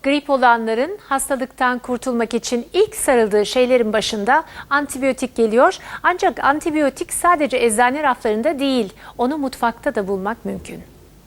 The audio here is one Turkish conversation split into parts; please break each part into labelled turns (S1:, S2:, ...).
S1: Grip olanların hastalıktan kurtulmak için ilk sarıldığı şeylerin başında antibiyotik geliyor. Ancak antibiyotik sadece eczane raflarında değil, onu mutfakta da bulmak mümkün.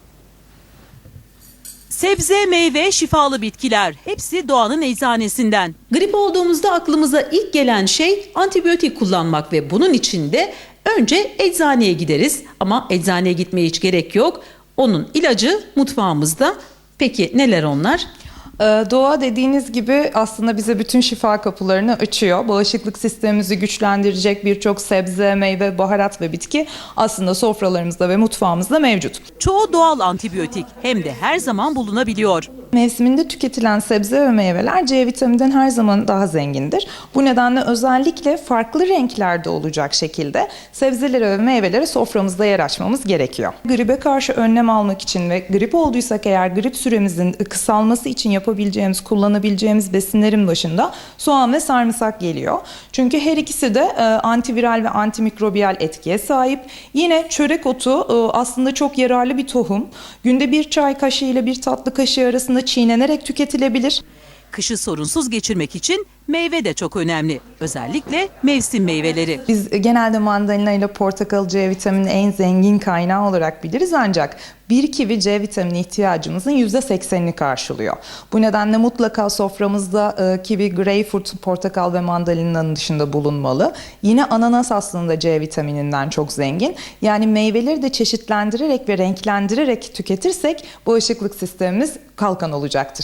S2: Sebze, meyve, şifalı bitkiler hepsi doğanın eczanesinden. Grip olduğumuzda aklımıza ilk gelen şey antibiyotik kullanmak ve bunun için de önce eczaneye gideriz. Ama eczaneye gitmeye hiç gerek yok. Onun ilacı mutfağımızda. Peki neler onlar?
S3: Doğa dediğiniz gibi aslında bize bütün şifa kapılarını açıyor. Bağışıklık sistemimizi güçlendirecek birçok sebze, meyve, baharat ve bitki aslında sofralarımızda ve mutfağımızda mevcut.
S2: Çoğu doğal antibiyotik hem de her zaman bulunabiliyor.
S3: Mevsiminde tüketilen sebze ve meyveler C vitamininden her zaman daha zengindir. Bu nedenle özellikle farklı renklerde olacak şekilde sebzelere ve meyvelere soframızda yer açmamız gerekiyor. Gribe karşı önlem almak için ve grip olduysak eğer grip süremizin kısalması için yapabileceğimiz, kullanabileceğimiz besinlerin başında soğan ve sarımsak geliyor. Çünkü her ikisi de antiviral ve antimikrobiyal etkiye sahip. Yine çörek otu aslında çok yararlı bir tohum. Günde bir çay kaşığı ile bir tatlı kaşığı arasında çiğnenerek tüketilebilir.
S2: Kışı sorunsuz geçirmek için meyve de çok önemli. Özellikle mevsim meyveleri.
S3: Biz genelde mandalina ile portakal C vitamini en zengin kaynağı olarak biliriz ancak bir kivi C vitamini ihtiyacımızın %80'ini karşılıyor. Bu nedenle mutlaka soframızda kivi, greyfurt, portakal ve mandalinanın dışında bulunmalı. Yine ananas aslında C vitamininden çok zengin. Yani meyveleri de çeşitlendirerek ve renklendirerek tüketirsek bağışıklık sistemimiz kalkan olacaktır.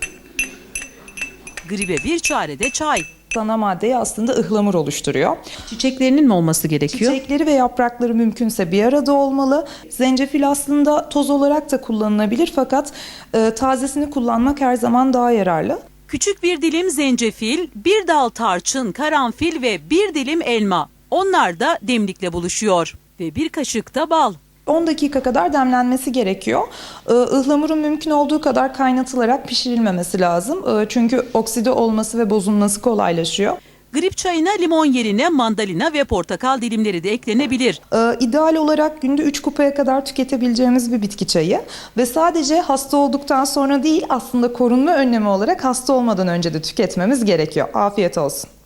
S2: Gribe bir çare de çay.
S3: Ana maddeyi aslında ıhlamur oluşturuyor.
S2: Çiçeklerinin mi olması gerekiyor?
S3: Çiçekleri ve yaprakları mümkünse bir arada olmalı. Zencefil aslında toz olarak da kullanılabilir fakat tazesini kullanmak her zaman daha yararlı.
S2: Küçük bir dilim zencefil, bir dal tarçın, karanfil ve bir dilim elma. Onlar da demlikle buluşuyor. Ve bir kaşık da bal.
S3: 10 dakika kadar demlenmesi gerekiyor. Ihlamurun mümkün olduğu kadar kaynatılarak pişirilmemesi lazım. Çünkü okside olması ve bozulması kolaylaşıyor.
S2: Grip çayına limon yerine mandalina ve portakal dilimleri de eklenebilir.
S3: İdeal olarak günde 3 kupaya kadar tüketebileceğimiz bir bitki çayı. Ve sadece hasta olduktan sonra değil aslında korunma önlemi olarak hasta olmadan önce de tüketmemiz gerekiyor. Afiyet olsun.